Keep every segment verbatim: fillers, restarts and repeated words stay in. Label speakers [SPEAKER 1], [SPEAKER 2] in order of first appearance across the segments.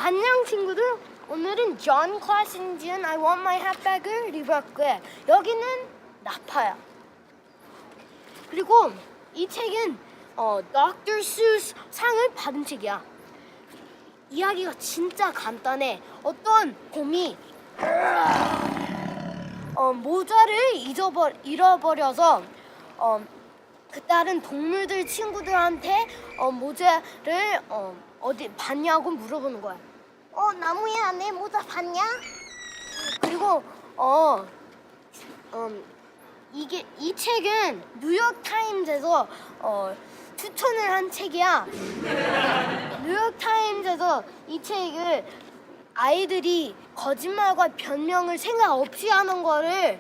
[SPEAKER 1] 안녕 친구들. 오늘은 존 클래스에 지은 I Want My Hat Back을 리뷰할 거야. 여기는 나파야. 그리고 이 책은 어, 닥터 수스 상을 받은 책이야. 이야기가 진짜 간단해. 어떤 곰이 어, 모자를 잊어버, 잃어버려서 어, 그 다른 동물들 친구들한테 어, 모자를 어, 어디 봤냐고 물어보는 거야. 어, 나무야, 내 모자 봤냐? 그리고 어, 음, 이게 이 책은 뉴욕 타임즈에서 어, 추천을 한 책이야. 뉴욕 타임즈에서 이 책을 아이들이 거짓말과 변명을 생각 없이 하는 거를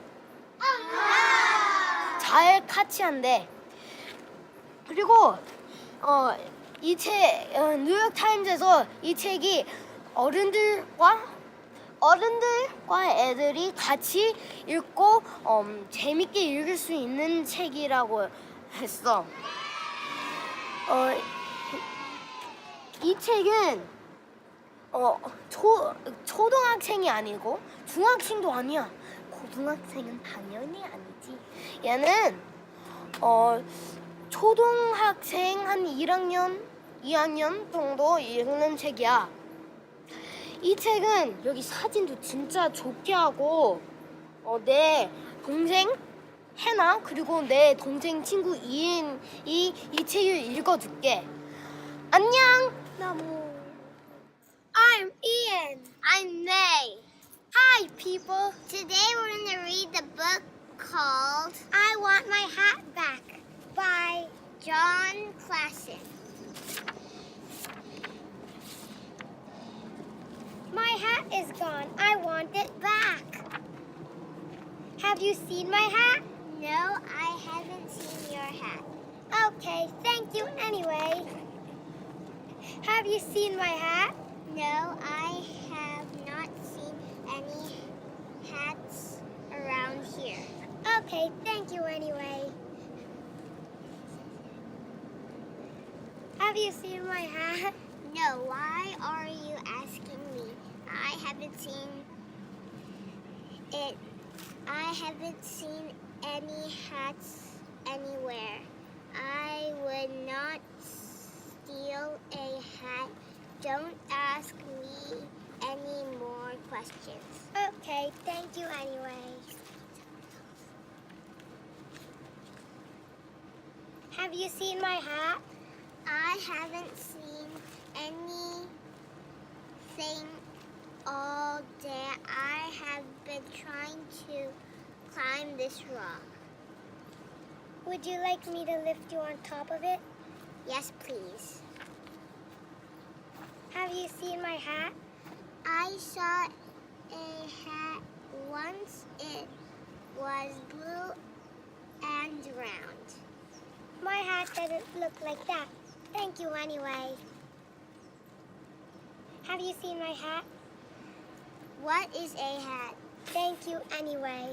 [SPEAKER 1] 잘 캐치한대. 그리고 어, 이 책 어, 뉴욕 타임즈에서 이 책이 어른들과 어른들과 애들이 같이 읽고 음, 재밌게 읽을 수 있는 책이라고 했어. 어, 이 책은 어, 초, 초등학생이 아니고 중학생도 아니야. 고등학생은 당연히 아니지. 얘는 어, 초등학생 한 일 학년, 이 학년 정도 읽는 책이야. 이 책은 여기 사진도 진짜 좋게 하고 어, 내 동생 해나 그리고 내 동생 친구 이인이 이 책을 읽어줄게. 안녕. 나무. I'm Ian. I'm May. Hi, people.
[SPEAKER 2] Today we're going to read the book called
[SPEAKER 1] I Want My Hat Back
[SPEAKER 2] by John Klassen.
[SPEAKER 1] My hat is gone. I want it back. Have you seen my hat?
[SPEAKER 2] No, I haven't seen your hat.
[SPEAKER 1] Okay, thank you anyway. Have you seen my hat?
[SPEAKER 2] No, I have not seen any hats around here.
[SPEAKER 1] Okay, thank you anyway. Have you seen my hat?
[SPEAKER 2] No, why are you asking me? I haven't seen it. I haven't seen any hats anywhere. I would not steal a hat. Don't ask me any more questions.
[SPEAKER 1] Okay, thank you anyway. Have you seen my hat?
[SPEAKER 2] I haven't seen anything all day. I have been trying to climb this rock.
[SPEAKER 1] Would you like me to lift you on top of it?
[SPEAKER 2] Yes, please.
[SPEAKER 1] Have you seen my hat?
[SPEAKER 2] I saw a hat once. It was blue and round.
[SPEAKER 1] My hat doesn't look like that. Thank you anyway. Have you seen my hat?
[SPEAKER 2] What is a hat?
[SPEAKER 1] Thank you anyway.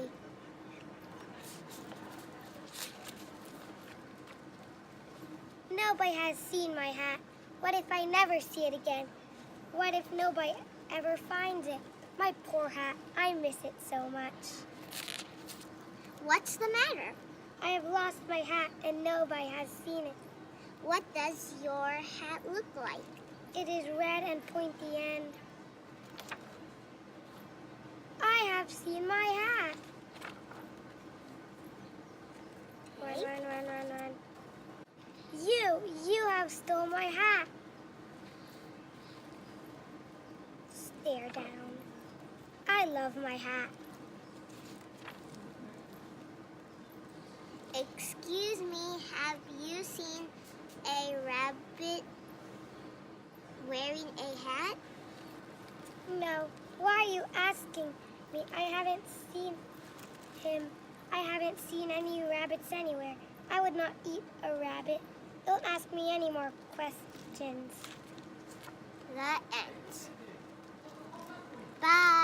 [SPEAKER 1] Nobody has seen my hat. What if I never see it again? What if nobody ever finds it? My poor hat. I miss it so much.
[SPEAKER 2] What's the matter?
[SPEAKER 1] I have lost my hat and nobody has seen it.
[SPEAKER 2] What does your hat look like?
[SPEAKER 1] It is red and pointy end. I have seen my hat. Run,
[SPEAKER 2] Okay.
[SPEAKER 1] run, run, run, run. You, you have stole my hat. Stare down. I love my hat.
[SPEAKER 2] Excuse me, have you seen a rabbit wearing a hat?
[SPEAKER 1] No, why are you asking me? I haven't seen him. I haven't seen any rabbits anywhere. I would not eat a rabbit. Don't ask me any more questions.
[SPEAKER 2] The end. Bye.